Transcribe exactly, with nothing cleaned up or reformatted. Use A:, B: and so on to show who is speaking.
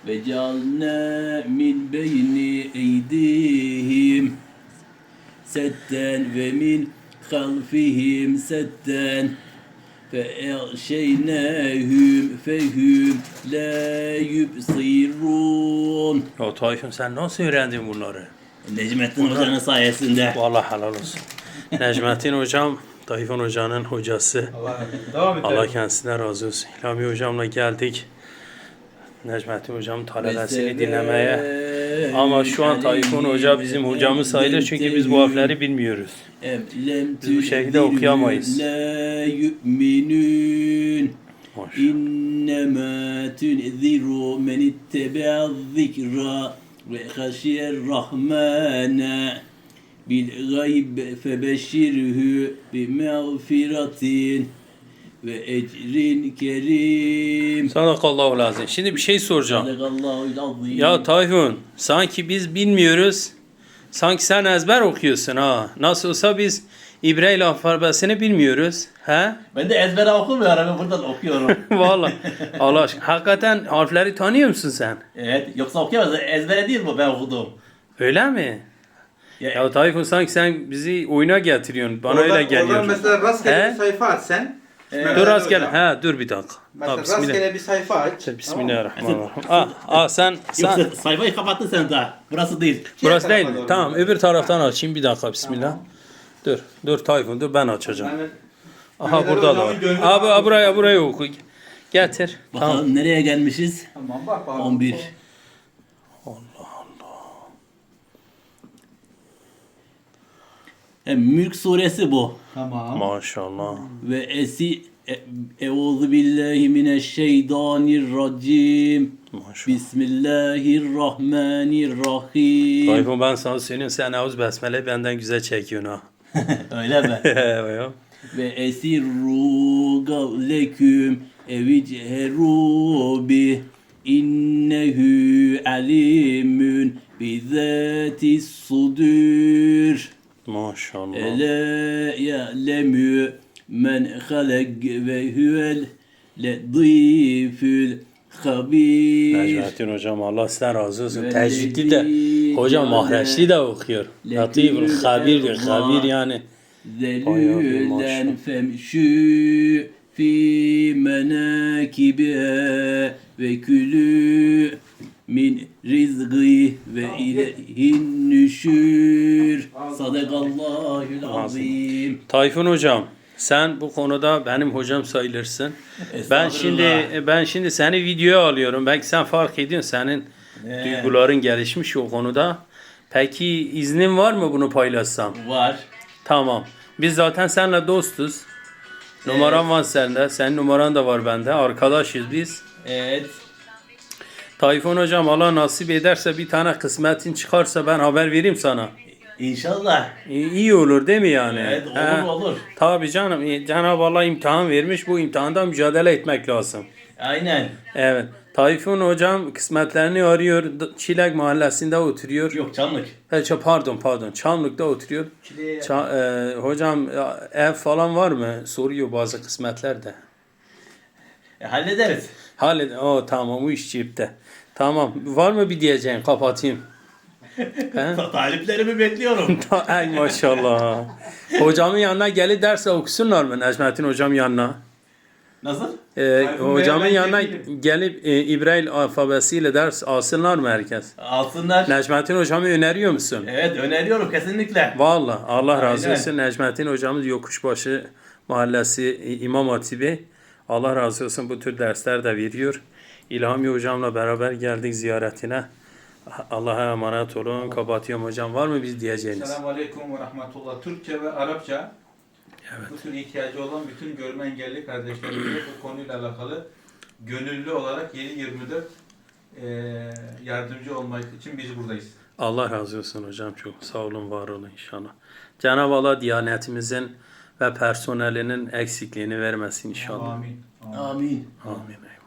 A: ve cealna min beyni eydihim setten ve min halfihim setten فَاَغْشَيْنَاهُمْ فَهُمْ لَا يُبْصِرُونَ.
B: Ya Tayfun sen nasıl öğrendin bunları?
A: Necmettin Hoca'nın sayesinde.
B: Vallahi helal olsun. Necmettin Hocam, Tayfun Hoca'nın hocası.
C: Allah, devam
B: Allah kendisinden razı olsun. İlhami Hocam'la geldik. Necmettin Hocam'ın talebesini dinlemeye. Ama şu an Tayfun Hoca bizim hocamız sayılır çünkü biz bu harfleri bilmiyoruz. Biz bu şekilde okuyamayız.
A: La yu'minun. İnnemâ tunziru men ittebe'a zikra ve haşiyer rahmana bil gayb febeşşirhu bi mağfiratin ve ecrin kerim.
B: Sadakallahu lazım. Şimdi bir şey soracağım.
A: Sadakallahul azim.
B: Ya Tayfun, sanki biz bilmiyoruz. Sanki sen ezber okuyorsun ha. Nasıl olsa biz İbrahim alfabesini bilmiyoruz. He?
A: Ben de ezbere okumuyorum, ben buradan okuyorum.
B: Vallahi. Allah aşkına. Hakikaten harfleri tanıyor musun sen?
A: Evet, yoksa okuyamaz. Ezbere değil bu ben okudum.
B: Öyle mi?
A: Ya,
B: Ya Tayfun sanki sen bizi oyuna getiriyorsun. Bana
C: oradan,
B: öyle geliyor.
C: Oradan mesela rastgele
B: He?
C: bir sayfa aç sen.
A: Evet.
B: Dur rastgele. He dur bir dakika.
C: Mesela
B: Ha, bismillah.
C: rastgele bir sayfa aç.
B: Bismillahirrahmanirrahim. Ah, ah sen sen
A: yoksa sayfayı kapattın sen daha. Burası değil.
B: burası değil
C: tarafa
B: mi?
C: doğru
B: Tamam,
C: gidelim.
B: öbür taraftan açayım bir dakika bismillah. Dur. Dur Tayfun dur ben açacağım.
C: Yani,
B: Aha
C: Mehmet
B: burada da
C: Hocam'ın
B: var.
C: gönlü
B: Abi
C: rahat
B: buraya
C: olsun.
B: buraya oku. Getir.
A: Bakalım
B: Tamam.
A: nereye gelmişiz?
C: Tamam bak bak.
A: on bir. Hem Mülk suresi bu.
C: Tamam.
B: Maşallah.
A: Ve esi e- Euzu billahi mineşşeytanirracim.
B: Maşallah.
A: Bismillahirrahmanirrahim.
B: Tayfun ben sana söyleyeyim sen Eûz Besmele benden güzel çekiyorsun ha.
A: Öyle mi?
B: Evet.
A: Ve esirru gavleküm evicheru bi innehu alimun bizati sudur.
B: Maşallah.
A: Ela ya'lemu men halak ve huvel ledifül habir.
B: Necmettin hocam Allah sizden razı olsun.
A: Ve
B: Tecvidli de
A: lezi
B: hocam
A: ceale
B: mahreçli de okuyor. Latifül habir diyor. Habir yani.
A: Zelülen femşü fi menakibiha ve külü min rizgı ve ileyhin nüşür. Sadakallahül azim.
B: Tayfun hocam sen bu konuda benim hocam sayılırsın. Ben şimdi ben şimdi seni videoya alıyorum. Belki sen fark ediyorsun senin
A: Evet.
B: duyguların gelişmiş o konuda. Peki iznin var mı bunu paylaşsam?
A: Var.
B: Tamam. Biz zaten seninle dostuz. Numaram var sende. Senin numaran da var bende. Arkadaşız biz.
A: Evet.
B: Tayfun hocam Allah nasip ederse bir tane kısmetin çıkarsa ben haber vereyim sana.
A: İnşallah.
B: İyi, iyi olur değil mi yani?
A: Evet, olur,
B: He.
A: olur.
B: Tabii canım. e, Cenab-ı Allah imtihan vermiş. Bu imtihanda mücadele etmek lazım.
A: Aynen.
B: Evet. Tayfun hocam kısmetlerini arıyor. D- Çilek mahallesinde oturuyor.
A: Yok Çamlık.
B: He, ç- pardon pardon. Çamlık'ta oturuyor.
C: Çileğe-
B: Ça- e, hocam ya, ev falan var mı? Soruyor bazı kısmetlerde.
A: E, hallederiz.
B: Hallet. O tamam o iş cepte. Tamam. Var mı bir diyeceğin? Kapatayım. He?
A: Taliplerimi bekliyorum.
B: Ay maşallah. Hocamın yanına gelip derse okusunlar mı Necmettin hocam yanına?
A: Nasıl?
B: Ee,
C: Tayfun
B: hocamın
C: Bey'e ben
B: yanına
C: gelirim.
B: gelip e, İbrahim alfabesiyle ders alsınlar mı herkes?
A: Alsınlar.
B: Necmettin hocamı öneriyor musun?
A: Evet öneriyorum kesinlikle.
B: Vallahi Allah razı
A: Aynen.
B: olsun. Necmettin hocamız Yokuşbaşı Mahallesi e, İmam Hatibi. Allah razı olsun bu tür dersler de veriyor. İlhami hocamla beraber geldik ziyaretine. Allah'a emanet olun. Kapatıyorum hocam. Var mı biz diyeceğiniz?
C: Selamun Aleyküm ve Rahmetullah. Türkçe ve Arapça
B: Evet.
C: bütün ihtiyacı olan bütün görme engelli kardeşlerimize bu konuyla alakalı gönüllü olarak yedi yirmi dört eee yardımcı olmak için biz buradayız.
B: Allah razı olsun hocam. Çok sağ olun, var olun inşallah. Cenab-ı Allah diyanetimizin ve personelinin eksikliğini vermesin inşallah.
C: Amin. Amin.
A: Amin.
B: Amin.